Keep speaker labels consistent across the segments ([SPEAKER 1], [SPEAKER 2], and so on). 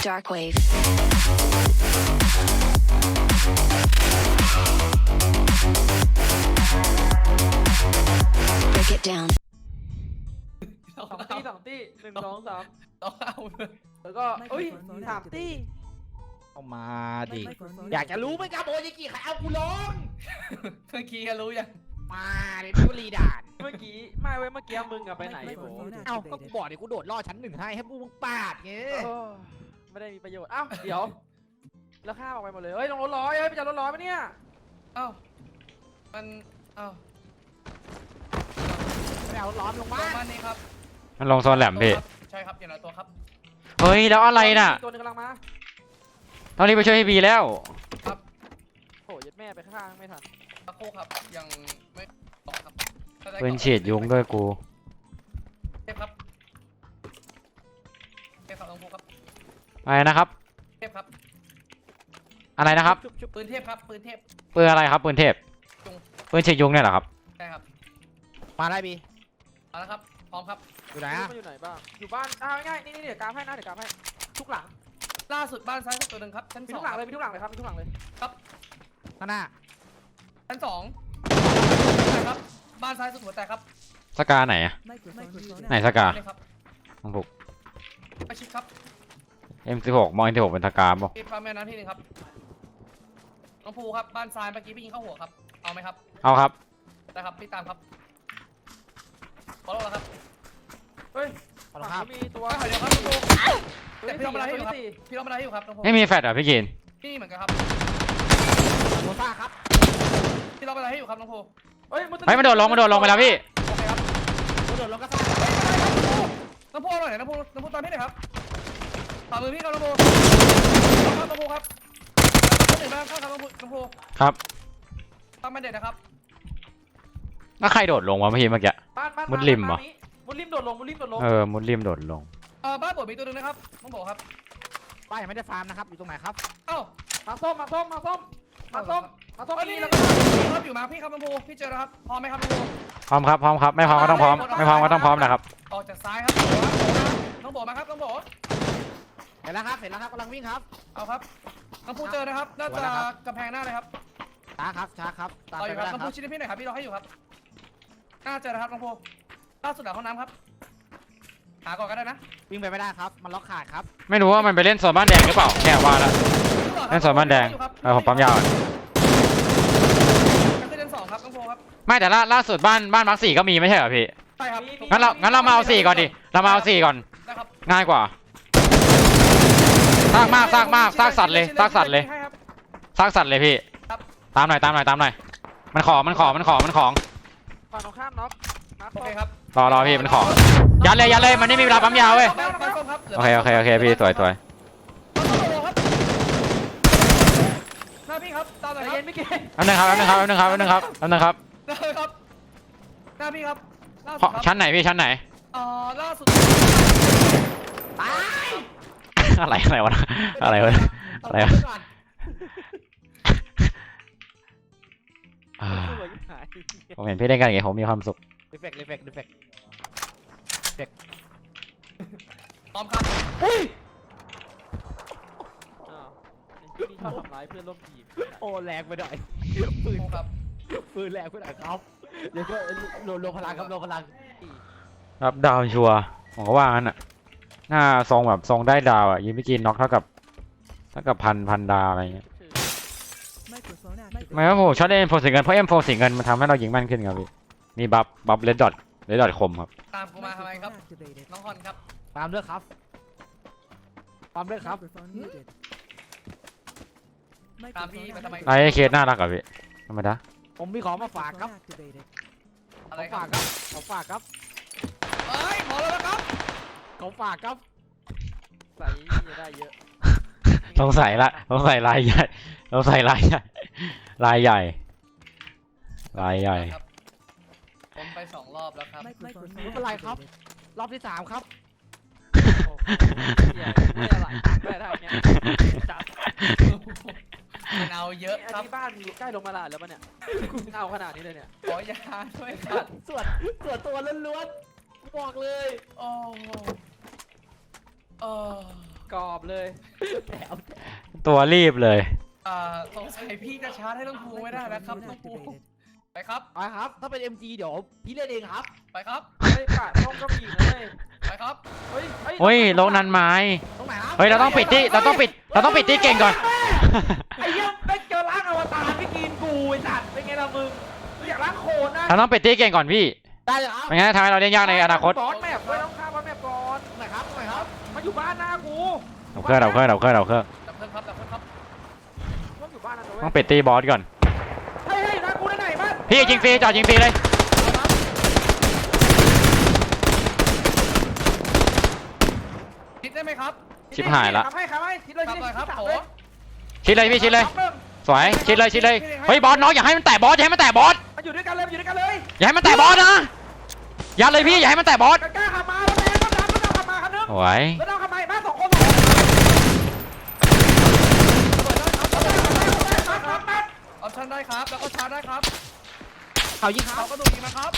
[SPEAKER 1] Darkwave. Break it down.
[SPEAKER 2] สองตี1 2 3
[SPEAKER 3] ต้องเอาเลย
[SPEAKER 2] แล้วก็เอ้ย3 ตี
[SPEAKER 4] เอามาดิอยากจะรู้ไหมครับโอจิกิใครเอากูลง
[SPEAKER 3] เมื่อกี้รู้ยัง
[SPEAKER 4] มาดิพิวรีด่าน
[SPEAKER 2] เมื่อกี้ไม่เว้ยเมื่อกี้มึงอะไปไหนโบ
[SPEAKER 4] เอ้าก็กูบอกดิกูโดดล่อชั้น 1ให้พวกมึงปาดไง
[SPEAKER 2] ไม่ได้มีประโยชน์อ้าวเดี๋ยวแล้วข้าออกไปหมดเลยเฮ้ยลงรถร้อยเฮ้ยไปจัดรถร้อยปะเนี่ย
[SPEAKER 3] เอ้ามันเอ้า
[SPEAKER 4] ไม่เอาร้อนลง
[SPEAKER 3] ป
[SPEAKER 4] มา
[SPEAKER 3] ระมาณนี้ครับ
[SPEAKER 5] มันลงโซนแหลมพี่
[SPEAKER 3] ใช่ครับอย่างละตัวครับ
[SPEAKER 5] เฮ้ยแล้วอะไรน่ะ
[SPEAKER 2] ตัวนึงกำลังมา
[SPEAKER 5] ตอนนี้ไปช่วยพี่บีแล้ว
[SPEAKER 2] โอ้ยัดแม่ไปข้างไม่ทัน
[SPEAKER 3] ตะโคครับยังไม่ออกครับ
[SPEAKER 5] เพื่อนฉีดยุงด้วยกู
[SPEAKER 3] เทพครับเทพครับต้องพูครับ
[SPEAKER 5] อะไรนะครับ
[SPEAKER 3] เทพครับ
[SPEAKER 5] อะไรนะครับ
[SPEAKER 2] ชุบ
[SPEAKER 3] ปืนเทพครับปืนเทพ
[SPEAKER 5] ปืนอะไรครับปืนเทพ
[SPEAKER 3] ยุง
[SPEAKER 5] ปืนฉีดยุงเนี่ยเหรอครับ
[SPEAKER 3] ใช่ครับ
[SPEAKER 4] มาได้บี
[SPEAKER 3] เอาละครับพร้อมครับ
[SPEAKER 4] อยู่ไหน
[SPEAKER 2] ๆ
[SPEAKER 4] อะ
[SPEAKER 2] มันอยู่ไหนบ้างอยู่บ้านง่ายๆนี่เดี๋ยวกราฟให้นะเดี๋ยวกราฟให้ทุกหลัง
[SPEAKER 3] ล่าสุดบ้านซ้ายสุดตัวหนึ่งครับชั้น
[SPEAKER 2] มี
[SPEAKER 3] ส
[SPEAKER 2] ทุ
[SPEAKER 3] อง
[SPEAKER 2] กหลังเลยมีทุกหลังเลยครับมีทุกหลังเลย
[SPEAKER 4] ข้างหน้า
[SPEAKER 3] ชั้น2ครับบ้านซ้ายสุดหัวแตกครับ
[SPEAKER 5] สกาไหนอะไหนสกา
[SPEAKER 3] นี่ครับ
[SPEAKER 5] ของผม
[SPEAKER 3] ไปชิดครับ
[SPEAKER 5] M16 มอง M16 เป็นสกาป่ะ
[SPEAKER 3] ปิดปั๊มแม่น้ำที่หนึ่งครับน้องภูครับบ้านซ้ายเมื่อกี้พี่ยิงเข้าหัวครับเอาไหมครับ
[SPEAKER 5] เอาครับ
[SPEAKER 3] ได้ครับพี่ตามครับขอโทษแล้วครับ
[SPEAKER 2] เฮ้ย
[SPEAKER 4] ขอ
[SPEAKER 2] ฝั่ง
[SPEAKER 4] ภาพ
[SPEAKER 2] นี้มีตัว
[SPEAKER 3] เดี๋ยวครับน้องภู
[SPEAKER 2] ตัว
[SPEAKER 3] แต่
[SPEAKER 2] ที่
[SPEAKER 3] พี่
[SPEAKER 2] สี่
[SPEAKER 3] ทำอะไรให้อยู่ครับ
[SPEAKER 2] ตัวที่สี่
[SPEAKER 3] พี่ทำอะไรให้อยู่ครับน้องภู
[SPEAKER 5] ไม่มีแฟลชเหรอพี่กิน
[SPEAKER 3] พี่เหมือนกันครับ
[SPEAKER 4] โมซ่าครับ
[SPEAKER 3] พี่ทำอะไรให้อยู่ครับน้องภู
[SPEAKER 2] เฮ้ย
[SPEAKER 5] เฮ้ยมันโดดลงไปแล้วพี่
[SPEAKER 3] โอเคครับ
[SPEAKER 4] กูโดดลงก็ซ่า
[SPEAKER 3] น้องภูเอาหน่อยน้องภูตามพี่หน่อยครับตามมือพี่ครับน้องภูครับน้องภูครับหนึ่งบ้างครับน้องภู
[SPEAKER 5] ครับ
[SPEAKER 3] ตั้งไม่เด็ดนะครับ
[SPEAKER 5] แล้วใครโดดลงวะเมื่อกี้
[SPEAKER 2] บ้าน
[SPEAKER 5] มุดริมเหรอ
[SPEAKER 2] มุดริมโดดลงมุดริมโดดลง
[SPEAKER 5] มุดริมโดดลง
[SPEAKER 3] บ้านปวดมีตัวหนึ่งนะครับน้องภูครับ
[SPEAKER 4] ป้ายังไม่ได้ฟาร์มนะครับอยู่ตรงไหนครับ
[SPEAKER 3] เอ้า
[SPEAKER 2] มาส้มมาส้ม
[SPEAKER 3] นี่
[SPEAKER 2] นี่
[SPEAKER 3] แล้
[SPEAKER 2] แล้ว วก็
[SPEAKER 3] ก็ครับอยู่มาพี่ครับน้องภูพี่เจอแล้วครับพร้อมไหมครับน้องภู
[SPEAKER 5] พร้อมครับพร้อมครับไม่พร้อมก็ต้องพร้อมไม่พร้อมก็ต้องพร้อมนะครับ
[SPEAKER 3] ออกจากซ้ายครับน้องโบมาครับน้องโบ
[SPEAKER 4] เสร็จแล้วครับกำลังวิ่งครับ
[SPEAKER 3] เอาครับน้องภูเจอนะครับน่าจะกำแพงหน้าเลยครับ
[SPEAKER 4] ช้าครับตาม
[SPEAKER 3] เอา
[SPEAKER 4] ไป
[SPEAKER 3] อยู่
[SPEAKER 4] ไม่
[SPEAKER 3] ครับ
[SPEAKER 4] ได้
[SPEAKER 3] น้อง
[SPEAKER 4] ค
[SPEAKER 3] ภู
[SPEAKER 4] รับ
[SPEAKER 3] ชิ้นพี่หน่อยครับพี่รอให้อยู่ครับน่าเจอนะครับน้องภูล่าสุดหลังห้องน้ำครับหาก่อนก็ได้นะ
[SPEAKER 4] วิ่งไปไม่ได้ครับมันล็อกขาดครับ
[SPEAKER 5] ไม่รู้ว่ามันไปเล่นโซนบ้านแดงหรือเปล่าแค่ว่าแล้วเล่นโซนบ้านแดงผมปั๊มยาว
[SPEAKER 3] กันเล่น2ครับน้องภูครับ
[SPEAKER 5] ไม่แต่ล่าสุดบ้านมาร์ค 4ก็มีไม่ใช่เหรอพี่
[SPEAKER 3] ใช่ครับ
[SPEAKER 5] งั้นเรามาเอา4ก่อนดิเรามาเอา4ก่อน
[SPEAKER 3] นะครับ
[SPEAKER 5] ง่ายกว่าซากมากซากสัตว์เลยซากสัตว์เลยพี่ตามหน่อยมันของ
[SPEAKER 2] ฝั่งตรงข้ามน็อก
[SPEAKER 3] โอเคครับ
[SPEAKER 5] รอพี่มันของยัดเลยมันไม่มีเวลาปั๊มยาวเว้ยโอเคพี่สวย
[SPEAKER 3] หน้าพี่ครับตามหน่อย
[SPEAKER 2] ใจ
[SPEAKER 3] ครับ
[SPEAKER 2] เย็นไม่เก่ง
[SPEAKER 5] อันนึงครับ
[SPEAKER 3] ได้ครับหน้าพี่ครับล่าสุดครับ
[SPEAKER 5] ชั้นไหนพี่ชั้นไหน
[SPEAKER 3] ล่าสุด
[SPEAKER 4] ตาย
[SPEAKER 5] อะไรวะอะไรวะ
[SPEAKER 4] เอาไปก่อน
[SPEAKER 2] สวยยิ่งหาย
[SPEAKER 5] ผมเห็นพี่เล่นกันอย่างเงี้ยผมมีความสุข
[SPEAKER 4] รีเฟก
[SPEAKER 3] พร้อมครับ
[SPEAKER 2] อ้าวนี่ชอบทำร้ายเพื่อนร่วมทีม
[SPEAKER 4] โอ้แรงไปหน่อย
[SPEAKER 3] ครับ
[SPEAKER 4] ปืนแรงไปหน่อยครับเดี๋ยวก็ลงพลังครับลงพลัง
[SPEAKER 5] รับดาวชัวร์ผมก็ว่างั้นอ่ะหน้าทรงแบบทรงได้ดาวอ่ะยิงพี่กินน็อกเท่ากับพันดาวอะไรเงี้ยไม่ว่าผมชอบเล่น M4 สีเงินเพราะ M4 สีเงินมันทำให้เรายิงแม่นขึ้นครับพี่มีบัฟเลดดอทคมครับ
[SPEAKER 3] ตามกูมาทำไมครับน้องฮอนครับ
[SPEAKER 4] ตามเลือกครับ
[SPEAKER 3] ตามพี่มาทำไม
[SPEAKER 5] ไอ้เคสน่ารักอ่ะพี่ธรรมดา
[SPEAKER 4] ผมมีของมาฝากครับ
[SPEAKER 3] อะไร
[SPEAKER 4] ของ
[SPEAKER 3] ครั
[SPEAKER 4] ฝาก
[SPEAKER 3] บ
[SPEAKER 4] ครับ
[SPEAKER 3] เอ้ยหมอแล้วนะครับ
[SPEAKER 4] ของฝากครับ
[SPEAKER 2] ใส่ได้เยอะ
[SPEAKER 5] ต้องใส่ลายใหญ่ต้องใส่ลายใหญ่ลายใหญ่
[SPEAKER 3] ครับผมไป2 รอบแล้วครับ
[SPEAKER 4] ไม่เป็นไรครับ รอบที่ 3 ครับ
[SPEAKER 2] ไม่อะไรไม่ได้เนี่ยจับ
[SPEAKER 3] มันเอาเยอะ
[SPEAKER 2] อัน
[SPEAKER 3] ครับ
[SPEAKER 2] นี้บ้านอยู่ใกล้ลงมาลาดแล้วปะเนี่ยเอาขนาดนี้เลยเนี่ย
[SPEAKER 3] ขอยาด้วยครับ
[SPEAKER 4] ส่วนตัวล้วนๆบอกเลย
[SPEAKER 3] โอ้โอ้
[SPEAKER 2] กรอบเลย
[SPEAKER 5] ตัวรีบเลย
[SPEAKER 3] สงสัยพี่จะชาร์จให้น้องภูไม่ได้แล้วครับน้องภูไปครับ
[SPEAKER 4] ไปครับถ้าเป็น MG เดี๋ยวพี่เล่นเองครับ
[SPEAKER 3] ไปครับ
[SPEAKER 2] เฮ้ยกาดห้องก็มีอีกนะเลย
[SPEAKER 3] ไปครับ
[SPEAKER 2] เฮ้ย
[SPEAKER 5] เฮ้ยโลกนั้นไม้
[SPEAKER 4] ตรงไหนครับ
[SPEAKER 5] เฮ้ยเราต้องปิดที่เก่งก่อน
[SPEAKER 2] ไอ้เหี้ยไม่เจอร่างอวตารพี่กินกูไอ้สัตว์เป็นไงล่ะมึงอยากล้างโคลนนะ
[SPEAKER 5] เราต้องปิดที่เก่งก่อนพี่
[SPEAKER 4] ได้เลยครับ
[SPEAKER 5] ไม่งั้นทำให้เราเล่นยากในอนาคต
[SPEAKER 2] บอสแมปด้วยต้องฆ่าบอสแมปก่อน
[SPEAKER 4] ตรงไหนครับตรงไหนครับ
[SPEAKER 2] มาอยู่บ้านหน้ากู
[SPEAKER 5] เราเครื่อง
[SPEAKER 3] ดับเครื่องครับดับเครื่องครับ
[SPEAKER 2] ต้องอยู่บ้านนะเว้ย
[SPEAKER 5] ต้องปิดตีบอสก่อน
[SPEAKER 2] เฮ้ยหน้ากูได้ไหนบ้าน
[SPEAKER 5] พี่ยิงฟรีจอดยิงฟรีเลย
[SPEAKER 3] คิดได้ไหมครับ
[SPEAKER 5] ชิบหายละ
[SPEAKER 2] ทำให้คิดเลย
[SPEAKER 3] ครับเลยครับโอ้
[SPEAKER 5] ชิดเลยพี่ชิดเลย สวยชิดเลยเฮ้ยบอสน้องอย่าให้มันแตะบอสอย่าให้มันแตะบอส
[SPEAKER 2] มาอยู่ด้วยกันเลย
[SPEAKER 5] อย่าให้มันแตะบอสนะยัดเลยพี่อย่าให้มันแตะบอส
[SPEAKER 2] กล้าขับมาแล้วแม่ก็ดันขับมาคันนึง
[SPEAKER 5] สวย
[SPEAKER 2] แล้วเราขับมาบ้าน2 คน
[SPEAKER 3] ออปชั่นได้ครับแล้วก็ชาร์จได้ครับ
[SPEAKER 4] เขายิงครับ
[SPEAKER 3] เขาก็ดูดีนะครับ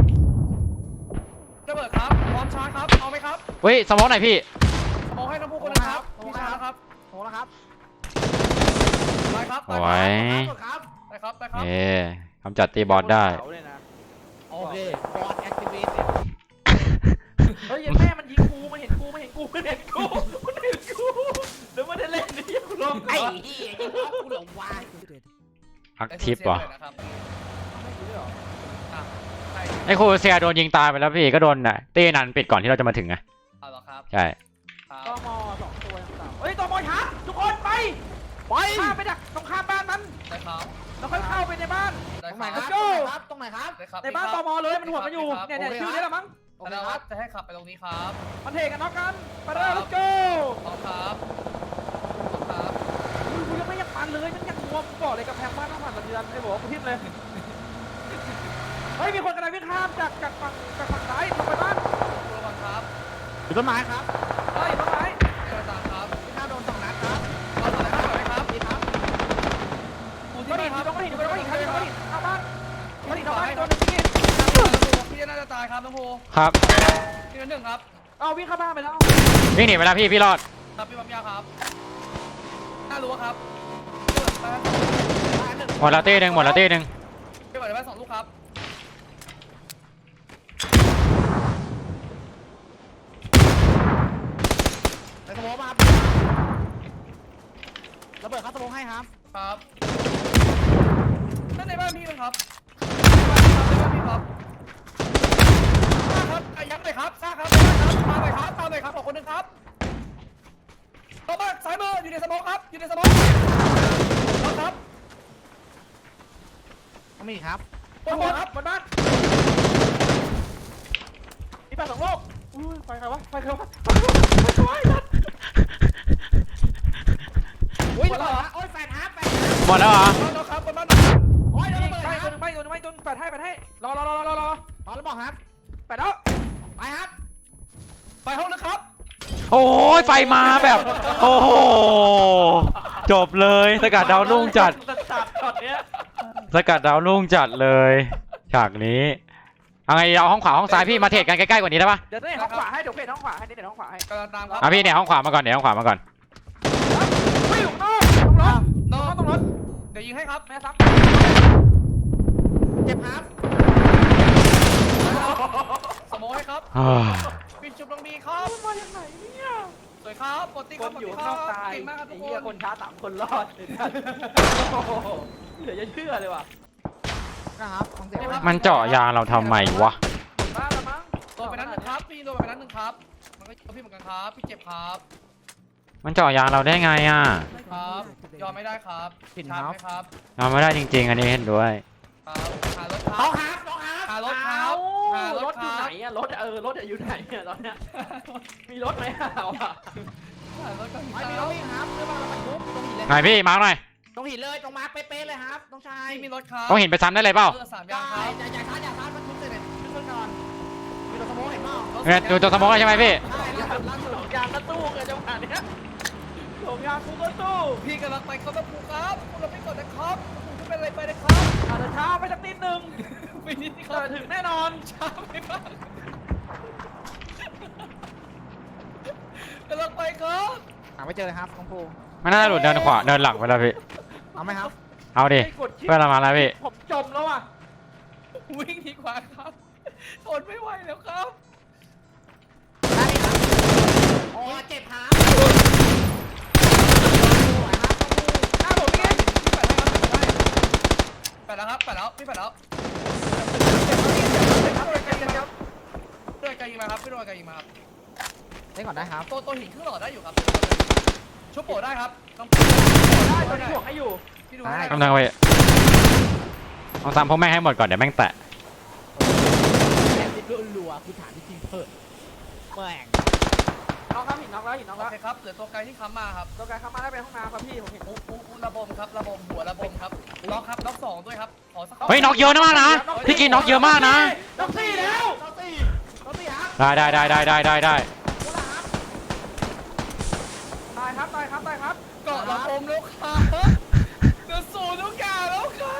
[SPEAKER 3] ระเบิดครับพร้อมชาร์จครับเอาไหมครับ
[SPEAKER 5] เฮ้ยสมองหน่อยพี่
[SPEAKER 3] มองให้น้องภูคนนึงครับพี่ชาร์จครับ
[SPEAKER 4] โหแล้วครับ
[SPEAKER 3] ได้ครับ
[SPEAKER 5] สวย
[SPEAKER 4] ครับ
[SPEAKER 3] ได้ครับได้ครับ
[SPEAKER 5] เอ๊กำจัดตีบอสได้
[SPEAKER 4] โอเคบอสแอคทีเวต
[SPEAKER 2] เฮ้ยแม่มันยิงกูมันเห็นกูเดี๋ยวมันได้เล่นนี่กูลง
[SPEAKER 4] ไอ้เหี้ยยังรับกูเหลือวาย
[SPEAKER 5] พักทิปว่ะ
[SPEAKER 3] ได้เสียงเลยนะครับใช่
[SPEAKER 5] ไอ้ครูเซียโดนยิงตายไปแล้วพี่ก็โดนน่ะตีนันปิดก่อนที่เราจะมาถึงไง
[SPEAKER 3] เอาเหรอครับ
[SPEAKER 5] ใช่
[SPEAKER 3] ครับ
[SPEAKER 2] ตม2 ตัวเฮ้ยตมช้าทุกคนไปข้ามไปจากตรงข้ามบ้านมัน
[SPEAKER 3] ได้ครับ
[SPEAKER 2] แล้วค่อยเข้าไปในบ้าน
[SPEAKER 3] ได้
[SPEAKER 4] ตรง
[SPEAKER 3] ค
[SPEAKER 4] ไหน
[SPEAKER 3] รับ
[SPEAKER 4] ครับตรงไหนครับ
[SPEAKER 3] ได้ครับ
[SPEAKER 2] ในบ้านตมเลยมันหัวมันอยู่เนี่ยชื่อนี้แหละมั้ง
[SPEAKER 4] โอเค
[SPEAKER 3] แล้ว
[SPEAKER 4] ครับ
[SPEAKER 3] จะให้ขับไปตรงนี้ครับ
[SPEAKER 2] มันเทกันน็อกกันไปเลย let's go
[SPEAKER 3] พร้อมครับพร้อมครับ
[SPEAKER 2] กูยังไม่อยากปันเลยมันยังงวมก่อนเลยกับแพงบ้านต้องผ่านสัญญาณไอ้บอกกูทิ่มเลยเฮ้ยมีคนกำลังวิ่งข้ามจากฝั่งซ้ายลงไปบ้าน
[SPEAKER 3] ระวังครับ
[SPEAKER 4] อยู่ต้นไม้ครับ
[SPEAKER 2] เฮ้ยต้นไม้
[SPEAKER 3] เดินตามครับ
[SPEAKER 4] พี่ข้าวโดน2 นัดครับ
[SPEAKER 3] เราต่อได้ครับนี่ครับปู
[SPEAKER 2] ก็
[SPEAKER 3] ที่
[SPEAKER 2] หิ
[SPEAKER 3] นี่
[SPEAKER 2] น
[SPEAKER 3] ครับ
[SPEAKER 2] ก็หินก็หินก็หินเข้าบ้านก็หินเข้าบ้านตัวนึงพี่
[SPEAKER 3] พี่น่าจะตายครับน้องโพ
[SPEAKER 5] ครับ
[SPEAKER 3] พี่หนึ่งครับ
[SPEAKER 2] เอาวิ่งเข้าบ้านไปแล้ว
[SPEAKER 5] วิ่งหนีไปแล้วพี่รอด
[SPEAKER 3] ครับพี่ปั๊มยาครับน่ารู้ครับ
[SPEAKER 5] หมดแล้วตีหนึ่ง
[SPEAKER 3] พี่เปิดได้2 ลูกครับ
[SPEAKER 4] ไปสโมองมาครับระเบิดครับสโมองให้ครับ
[SPEAKER 3] ครับนั่นในบ้านพี่มั้งครับในบ้านพี่ครับครับยัดเลยครับซ่าครับตามเลยครับขอคนหนึ่งครับต่อมาสายมืออยู่ในสมองครับอยู่ในสมองครับ
[SPEAKER 4] มีครับ
[SPEAKER 2] บนครับบนบ้านมีปลา2 โลกอุ้ยไฟใครวะไฟใครวะไฟนัด
[SPEAKER 4] อุ้ยระเบิดโอ้ยแฟนฮาร์ป
[SPEAKER 5] หมดแล้วเหรอ
[SPEAKER 3] บ้านครับบนบ้าน
[SPEAKER 4] โอ้ยระเบิด
[SPEAKER 2] ไม่
[SPEAKER 4] ครับ
[SPEAKER 2] ไม่แปดให้รอ
[SPEAKER 4] พอแล้วบอกครับ
[SPEAKER 2] แปดแล้ว
[SPEAKER 4] ไปครับ
[SPEAKER 3] ไปห้องนะครับ
[SPEAKER 5] โอ้ยไฟมาแบบ โอ้โหจบเลยสกัดดาวรุ่งจัด
[SPEAKER 2] จัดช็อตเนี้ย
[SPEAKER 5] สกัดดาวรุ่งจัดเลยฉากนี้เอาไงเอาห้องขวาห้องซ้ายพี่มาเทรดกันใกล้ๆกว่านี้ได้ปะ
[SPEAKER 2] เดี๋ยวเดี๋ยวห้องขวาให้เดี๋ยวเพจห้องขวาให้เดี๋ยวห้องขวาให้
[SPEAKER 3] กำลังตามครับ
[SPEAKER 5] อ่ะพี่เนี่ยห้องขวามาก่อน
[SPEAKER 2] ไม่อยู่นอกต้องรถ
[SPEAKER 3] เดี๋ยวยิงให้ครับ
[SPEAKER 2] แม่ซับ
[SPEAKER 4] เจ็บครับ
[SPEAKER 3] สมองให้ครับ
[SPEAKER 5] อ้าว
[SPEAKER 3] ปิดจุดลงดีครับ
[SPEAKER 2] มาจากไหนเนี่ย
[SPEAKER 3] สวยครับปกติ
[SPEAKER 2] ค
[SPEAKER 3] ครับ
[SPEAKER 2] น
[SPEAKER 3] ปก
[SPEAKER 2] อยู่
[SPEAKER 3] ติค
[SPEAKER 2] น
[SPEAKER 3] รั
[SPEAKER 2] อบ กตาย
[SPEAKER 3] เก่งมากครับทุ
[SPEAKER 2] ไอ้
[SPEAKER 3] ก
[SPEAKER 2] เหี้ย
[SPEAKER 3] ค
[SPEAKER 2] คน นช้า3 คนรอดเหลือจะเชื่อเลยว่ะ
[SPEAKER 4] นะครับฟังเสียง
[SPEAKER 5] มันเจาะยางเราทำไมวะ
[SPEAKER 2] บ้าละมั้ง
[SPEAKER 3] โดนไปนั้นหนึ่งครับพี่โดนไปนั้นหนึ่งครับมันก็พี่เหมือนกันครับพี่เจ็บครับ
[SPEAKER 5] มันเจาะยางเราได้ไงอ่ะ
[SPEAKER 3] ครับยอมไม่ได้ครับชาร์จไหมครับ
[SPEAKER 5] เราไม่ได้จริงๆอันนี้เห็นด้วย
[SPEAKER 3] ครับหารถค
[SPEAKER 4] เขา
[SPEAKER 3] รับ
[SPEAKER 4] ครับ
[SPEAKER 3] หารถครับหาร
[SPEAKER 2] ร
[SPEAKER 3] ถ
[SPEAKER 2] ถ
[SPEAKER 3] ค
[SPEAKER 2] อยู่
[SPEAKER 3] รั
[SPEAKER 2] ไหน
[SPEAKER 3] บ
[SPEAKER 2] อะรถรถอยู่ไหนเนี่ยตอนเนี้ยมีรถไหมเอาอะ
[SPEAKER 3] หารถกัน
[SPEAKER 4] ไม่มีรถวิ่งครับเรื่องมันบรรทุกตรงหินเลย
[SPEAKER 5] ไหนพี่มาร์คหน่อย
[SPEAKER 4] ตรงหินเลยตรงมาเป๊ะๆเลยครับน้องชาย
[SPEAKER 3] พี่มีรถครับ
[SPEAKER 5] ต้องเห็นไปซ้ำได้เลยเปล่า
[SPEAKER 3] เลือด3
[SPEAKER 4] อย่
[SPEAKER 3] ยางครับ
[SPEAKER 4] าช้าบรรทุกเลยเนี่ยขึ้นก่อนมีรถสโมองเห็นเปล่า
[SPEAKER 5] เนี่ยดูตัวสมองใช่ไหมพี่
[SPEAKER 4] ใช่ล่าสุดล่าสุด
[SPEAKER 2] ยางกระตู้เลยจังหวะเนี้ยหลงยางกูกระตู้
[SPEAKER 3] พี่กำลังไปครับน้ำปูครับคุณเราไม่กดนะครับคุณเป็นอะไรไปนะครับ
[SPEAKER 2] อาจจะช้าไปสักนิดนึง
[SPEAKER 3] ไปนิดนี่ค
[SPEAKER 2] แต่
[SPEAKER 3] รับ
[SPEAKER 2] ถึงแน่นอน
[SPEAKER 3] ช้าไปมากกำลังไปครับ
[SPEAKER 4] หาไม่เจอเลยครับน้องภู
[SPEAKER 5] ไม่น่าจะหลุดเดินขวาเดินหลังไปแล้วพี่
[SPEAKER 4] เอาไหมครับ
[SPEAKER 5] เอาดิ
[SPEAKER 2] ไม่กดชิป
[SPEAKER 5] เพื่อนเรามาแล้วพี่
[SPEAKER 2] ผมจมแล้วอ่ะ
[SPEAKER 3] วิ่งดีกว่าครับทนไม่ไหวแล้วครับ
[SPEAKER 4] ได้ครับโอ้เจ็บครับ
[SPEAKER 2] หน้าผมพี่กิน
[SPEAKER 3] แปดแล้วครับแปดแล้วพี่แปดแล้วโดนไกลยิงมาครับพี่โดนไกลยิงมาครับ
[SPEAKER 4] เล่นก่อนได้ครับ
[SPEAKER 3] ตัวหินครึ่งหลอดได้อยู่ครับชุบโปได้ครับต้อง
[SPEAKER 2] ได้ตอนนี้ถ่วงให้อยู่
[SPEAKER 3] พี่ดูให้
[SPEAKER 5] กำลังไปเอาตามพวกแม่งให้หมดก่อนเดี๋ยวแม่งแตะ
[SPEAKER 4] แอบติดรัวๆคุณถามจริงๆเถอะแม่ง
[SPEAKER 2] น้องครับหินน้องแล้วหินน้อง
[SPEAKER 3] โอ
[SPEAKER 2] แล้ว
[SPEAKER 3] เคครับเหลือตัวไกลที่ค้ำมาครับ
[SPEAKER 2] ตัวกายเข้ามาได้ไปห้องน้ำครับพี่ผมเห็น
[SPEAKER 3] ระบมครับระบมหัวระบมครับล็อกครับล็อกสองด้วยครับขอสัก
[SPEAKER 5] เฮ้ยน็อกเยอะมากนะพี่กินน็อกเยอะมากนะ
[SPEAKER 2] น้องสี่แล้ว
[SPEAKER 4] น้องตีครับ
[SPEAKER 5] ได้
[SPEAKER 2] ตายครับตายครับตายครับ
[SPEAKER 3] เกาะระบมแล้วครับเหลือศูนย์ทุกอย่างแล้วครับ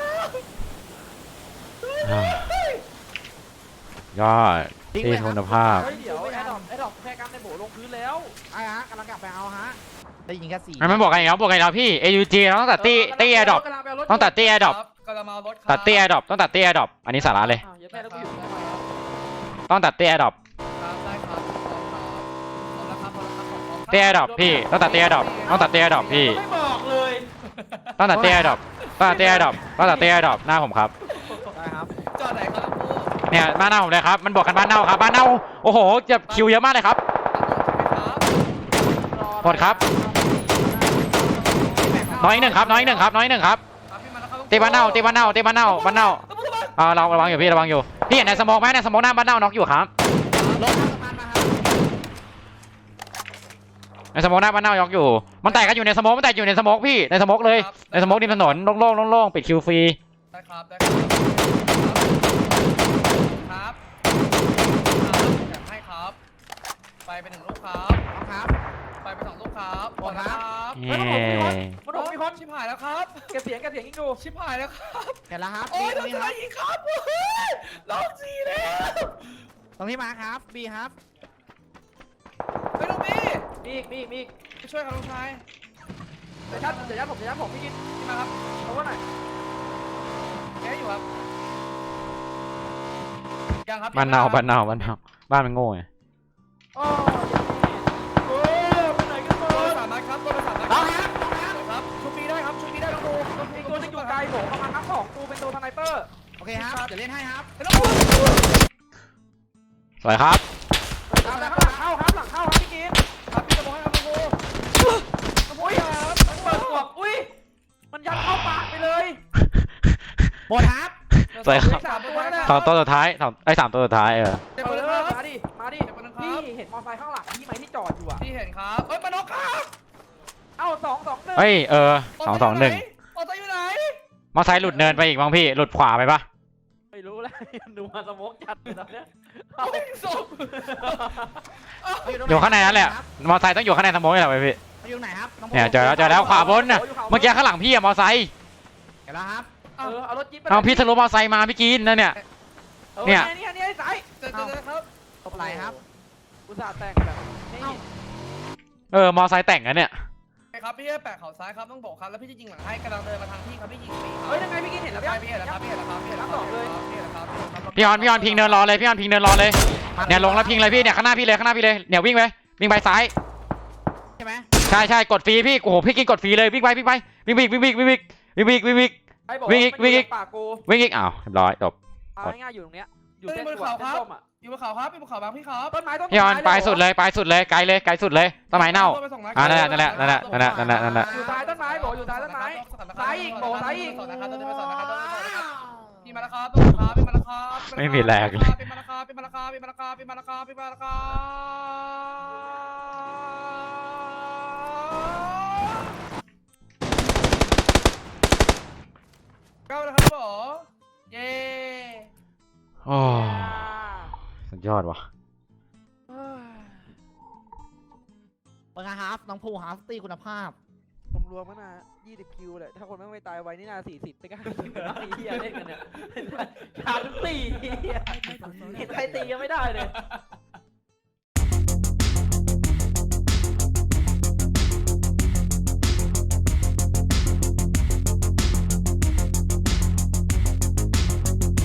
[SPEAKER 5] ยอดที่คุณภาพ
[SPEAKER 2] เฮ้ยเดี๋ยวแอดดอกแค่กำในโบลงพื้นแล้ว
[SPEAKER 4] ไอ้ฮะกำลังกลับไปเอาฮะได้ยิงแค่4
[SPEAKER 5] มันบอกกันอีกแล้วบอกกันอีกแล้วพี่ AUG เราต้องตัดตี้แอร์ดรอปต้องตัดตี้แอร์ดรอป
[SPEAKER 3] กำลังมารถ
[SPEAKER 5] ตัดตี้แอร์ดรอปต้องตัดตี้แอร์ดรอปอันนี้สาระเลย
[SPEAKER 2] อย่าแม่แล้วกูอยู่
[SPEAKER 5] ต้องตัดตี้แอร์ดรอป
[SPEAKER 3] ได้ครับเอาละครับ
[SPEAKER 5] ตี้แอร์ดรอปพี่ต้องตัดตี้แอร์ดรอปต้องตัดตี้แอร์ดรอปพี่
[SPEAKER 2] ไม่บอกเลย
[SPEAKER 5] ต้องตัดตี้แอร์ดรอปต้องตัดตี้แอร์ดรอปต้องตัดตี้แอร์ดรอปหน้าผมครับ
[SPEAKER 4] ได้ครับ
[SPEAKER 3] จอดไหนครับ
[SPEAKER 5] เนี่ยบ้านเน่าผมเลยครับมันบอกกันบ้านเน่าครับบ้านเน่าโอ้โหจะคิวเยอะมากเลยครับ หมดครับ น้อยหนึ่งครับตีบ้านเน่าบ้านเน่าเราระวังอยู่พี่ระวังอยู่พี่เห็นในสโมกไหมในสโมกหน้าบ้านเน่าน็อกอยู่ครับ
[SPEAKER 4] รถข้างสะพานมาครับ
[SPEAKER 5] ในสโมกหน้าบ้านเน่าน็อกอยู่มันแตกกันอยู่ในสโมกมันแตกอยู่ในสโมกพี่ในสโมกเลยในสโมกริมถนนโล่งๆปิดคิวฟรี
[SPEAKER 3] ได้ครับครับอยากให้ครับ ไปเป็น1 ลูกครับ
[SPEAKER 4] ครับ
[SPEAKER 3] ไปเป็น2 ลูกครับหมดครับ
[SPEAKER 5] เย้
[SPEAKER 2] มันบอกมีคน
[SPEAKER 3] ชิบหายแล้วครับ
[SPEAKER 2] เก็บเสียงยิ่งดู
[SPEAKER 3] ชิบหายแล้วครับ
[SPEAKER 4] เห็นแล้วครับ
[SPEAKER 3] โอ้ย
[SPEAKER 4] ตรงนี้
[SPEAKER 3] ทำ
[SPEAKER 4] ค
[SPEAKER 3] ไม
[SPEAKER 4] รับ
[SPEAKER 3] อีกครับล็อก4แล้ว
[SPEAKER 4] ตรงที่มาครับบีครับ
[SPEAKER 3] ไปลูกพี่
[SPEAKER 2] มีอีก
[SPEAKER 3] ไปช่วยครับลูกชาย
[SPEAKER 2] เดี๋ยวยัดผมพี่กิน
[SPEAKER 3] มาครับ
[SPEAKER 2] เอาว่าไหน
[SPEAKER 3] แกอยู่ครับยังครับ
[SPEAKER 5] บ้านเน่าบ้านมันโง่ไง
[SPEAKER 2] อ๋อไปไหนกันหม
[SPEAKER 3] ตัว
[SPEAKER 2] ด
[SPEAKER 3] 3 นัดครับตัว3 นัด
[SPEAKER 4] เอาครับ
[SPEAKER 3] ครับชุบปีได้ครับชุบปีได้ลองดู
[SPEAKER 2] อีกตัวนึงอยู่ไกลผมประมาณนับ2กูเป็นตัวสไนเปอร์
[SPEAKER 4] โอเคครับเดี๋ยวเล่นให้ครับ
[SPEAKER 3] ไม่ต้องพูด
[SPEAKER 5] สวยครับ
[SPEAKER 2] หลังเข้าครับพี่กิน
[SPEAKER 3] ครับพี่จะบอกให้ครับลูก
[SPEAKER 2] อุ้ยมันเปิดกวกอุ้ยมันยัดเข้าปากไปเลย
[SPEAKER 4] หมดครับ
[SPEAKER 5] สวยครับ
[SPEAKER 2] 3 ตัวแล้ว
[SPEAKER 5] สองตัวสุดท้าย3 ตัวสุดท้าย
[SPEAKER 3] เจ็บไปเลยครับ
[SPEAKER 2] มาดิพี่เห็นมอไซค์ข้างหลังพี่ไหมที่จอดอยู่อ่ะ
[SPEAKER 3] พี่เห็นครับเอ้ยมาน็อกครับ
[SPEAKER 2] เอ้า2-2-1
[SPEAKER 5] เฮ้ย2-2-1
[SPEAKER 3] ออโต้อยู่ไหน
[SPEAKER 5] มอไซค์หลุดเนินไปอีกมั้งพี่หลุดขวาไปปะ
[SPEAKER 2] ไม่รู้แล้วดูมาสโมกจัดเลยตอนเนี้ย
[SPEAKER 3] โอ้ยศพ
[SPEAKER 5] อยู่ข้างในนั่นแหละมอไซค์ต้องอยู่ข้างในสโมกนี่แหละพี่
[SPEAKER 4] อยู่ไหนครับน้อง
[SPEAKER 5] เนี่ยเจอแล้วขวาบนน่ะเมื่อกี้ข้างหลังพี่อะมอไซค์
[SPEAKER 4] เห็นแล้วครับ
[SPEAKER 2] เอารถจิ๊บไป
[SPEAKER 5] เอาพี่ทะลุมอไซค์มาพี่กินนั่นเนี่ย
[SPEAKER 2] นี่สาย
[SPEAKER 3] เจอครับ
[SPEAKER 4] ตบไหลครับ
[SPEAKER 2] อุตส่าห์แต่งแบบนี่
[SPEAKER 5] มอไซค์แต่งกันเนี่ย
[SPEAKER 3] ครับพี่แปะเข่าซ้ายครับต้องบอกครับแล้วพี่จะยิงหลังให้กำลังเดินมาทางพี่ครับพี่ยิงปีครับ
[SPEAKER 2] เฮ้ยยังไงพี่กินเห็นแล้ว
[SPEAKER 3] พี่เห็นแล้วครับพี่เห็นแล้วครับพี่เห็นแล้วครับพี่เห็นแล้วครับ
[SPEAKER 5] พี่ออนพิงเนินรอเลยเนี่ยลงแล้วพิงเลยพี่เนี่ยข้างหน้าพี่เลยเนี่ยวิ่งไปซ้าย
[SPEAKER 4] ใช่ไหม
[SPEAKER 5] ใช่กดฟรีพี่โอ้โหพี่กินกดฟรีเลยวิ่งไปวิ่ง
[SPEAKER 2] ปากกู
[SPEAKER 5] อีกอ้าวเรียบร้อยจบ
[SPEAKER 2] เอาง่ายๆอยู่ตรงเนี้ยอยู่
[SPEAKER 3] อยู่
[SPEAKER 2] เส้น
[SPEAKER 3] บน
[SPEAKER 2] ขวา
[SPEAKER 3] เขา
[SPEAKER 2] เส้น
[SPEAKER 3] ครับ
[SPEAKER 2] ส้มอ่ะ
[SPEAKER 3] อยู่บนเขาครับอยู่บนเขาบางพี่ครับ
[SPEAKER 2] ต้นไม้ต้น
[SPEAKER 5] พี่ออนไปสุดเลยไกลสุดเลยต้นไม้เน่า นั่นแหละ
[SPEAKER 2] อยู่ท้ายต้นไม้โบอยู่ท้ายต้นไม้ซ้ายอีกโบซ้ายอีก
[SPEAKER 3] พี่มาแล้วครับพี่มาแล้วครับ
[SPEAKER 5] ไม่มีแรงเลย
[SPEAKER 3] พี่มาแล้วครับพี่มาแล้วครับพี่มาแล้วครับพี่มาแล้วครับพี่มาแล้วครับก้าวแล้วครับผมเย้
[SPEAKER 5] โอ้สุดยอดว่ะ
[SPEAKER 4] เป็นไงครับน้องภูครับตีคุณภาพ
[SPEAKER 2] รวมๆก็น่า20 คิวเลยถ้าคนไม่ตายไวนี่น่า40ไปกันไอ้เหี้ยเล่นกันเนี่ยขาด4เห็นใครตียังไม่ได้เลย